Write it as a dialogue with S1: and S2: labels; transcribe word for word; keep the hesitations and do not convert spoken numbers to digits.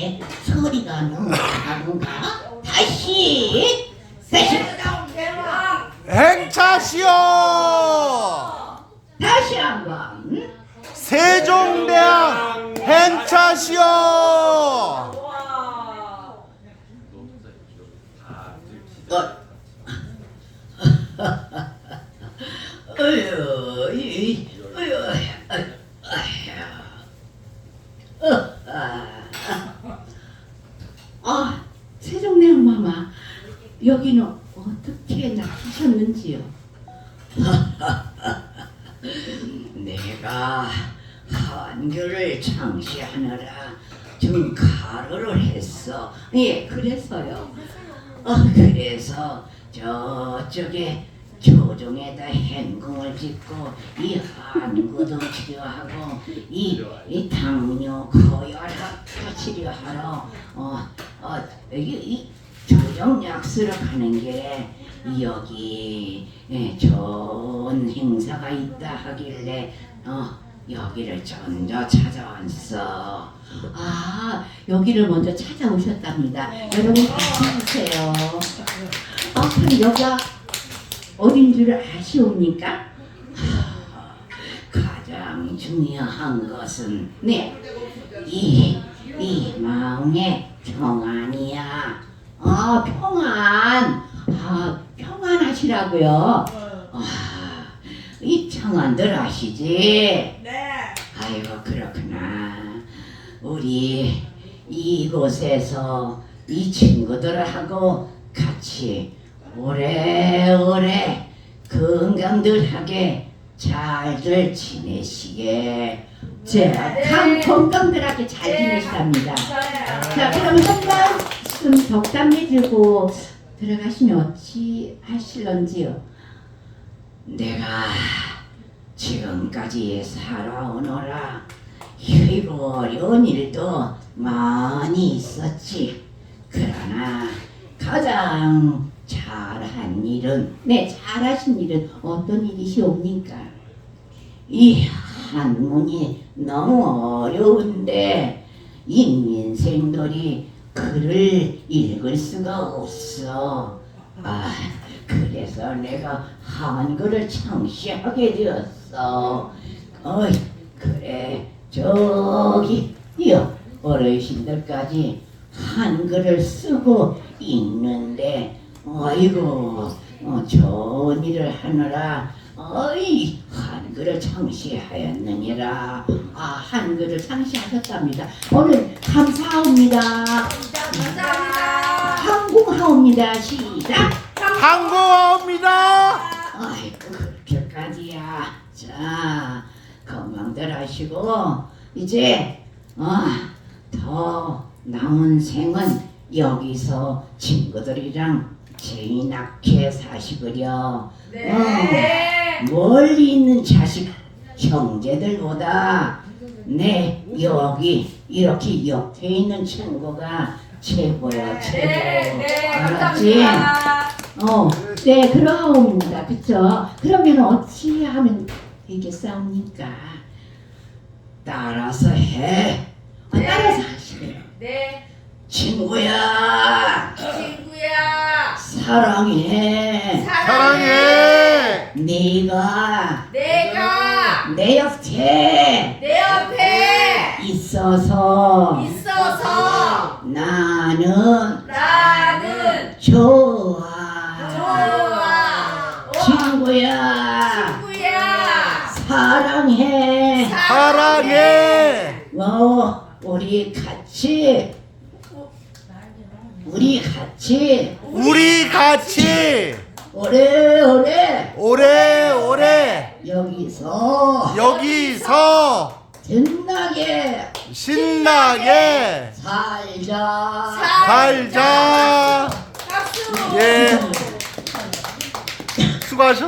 S1: 왜 소리가 너무 작은가? 다시 다시
S2: 행차시오.
S1: 다시 한번
S2: 세종대왕 행차시오.
S1: 어. 어휴, 이, 어휴, 어휴, 어휴. 어, 아, 아, 세종대왕 마마, 여기는 어떻게 나타셨는지요? 내가 한글을 창시하느라 좀 가로를 했어. 예, 그래서요. 어, 그래서 저쪽에 조정에다 행궁을 짓고 이 한구도 치료하고 이, 이 당뇨 고혈압도 치료하러 어, 어, 이, 이 조정 약수로 가는 길에 여기 예, 좋은 행사가 있다 하길래 어, 여기를 먼저 찾아왔어. 아, 여기를 먼저 찾아오셨답니다. 여러분 같이 보세요. 아, 그럼 여기가 어딘 줄 아시옵니까? 하, 가장 중요한 것은 네, 이, 이 마음의 평안이야. 아, 평안. 아, 평안하시라고요. 아, 이 평안들 아시지?
S3: 네.
S1: 아이고, 그렇구나. 우리 이곳에서 이 친구들하고 같이 오래오래 건강들하게 잘들 지내시게 제가 강 건강들하게 잘 지내시랍니다. 자, 그럼 한 말씀 덕담해 주고 들어가시면 어찌 하실런지요? 내가 지금까지 살아오너라 힘고 어려운 일도 많이 있었지. 그러나 가장 잘한 일은 네, 잘하신 일은 어떤 일이시옵니까? 이 한문이 너무 어려운데 인민생들이 글을 읽을 수가 없어. 아, 그래서 내가 한글을 창시하게 되었어. 어이, 그래, 저기 이 어르신들까지 한글을 쓰고 읽는데 아이고 어, 좋은 일을 하느라 어이 한글을 창시하였느니라. 아, 한글을 창시하셨답니다. 오늘 감사합니다.
S3: 감사합니다.
S1: 항공하옵니다. 시작.
S2: 항공합니다.
S1: 아이고, 그렇게까지야. 자, 건강들 하시고 이제 어, 더 남은 생은 여기서 친구들이랑 재미나게 사시구려.
S3: 네.
S1: 어, 멀리 있는 자식 형제들보다 네, 여기 이렇게 옆에 있는 친구가 최고야, 최고.
S3: 네. 네.
S1: 알았지?
S3: 감사합니다.
S1: 어, 네, 그러옵니다. 그쵸? 그러면 어찌 하면 되겠사옵니까? 따라서 해. 어, 따라서 하시래요.
S3: 네.
S1: 친구야,
S3: 친구야.
S1: 사랑해.
S2: 사랑해.
S1: 네가
S3: 내가
S1: 내 옆에
S3: 내 옆에
S1: 있어서
S3: 있어서
S1: 나는
S3: 나는
S1: 좋아.
S3: 좋아.
S1: 친구야,
S3: 친구야.
S1: 사랑해.
S2: 사랑해.
S1: 어, 우리 같이 우리 같이
S2: 우리 같이
S1: 오래오래
S2: 오래오래
S1: 여기서
S2: 여기서
S1: 신나게
S2: 신나게
S1: 살자.
S2: 살자.
S3: 박수.
S2: 예. 수고하셨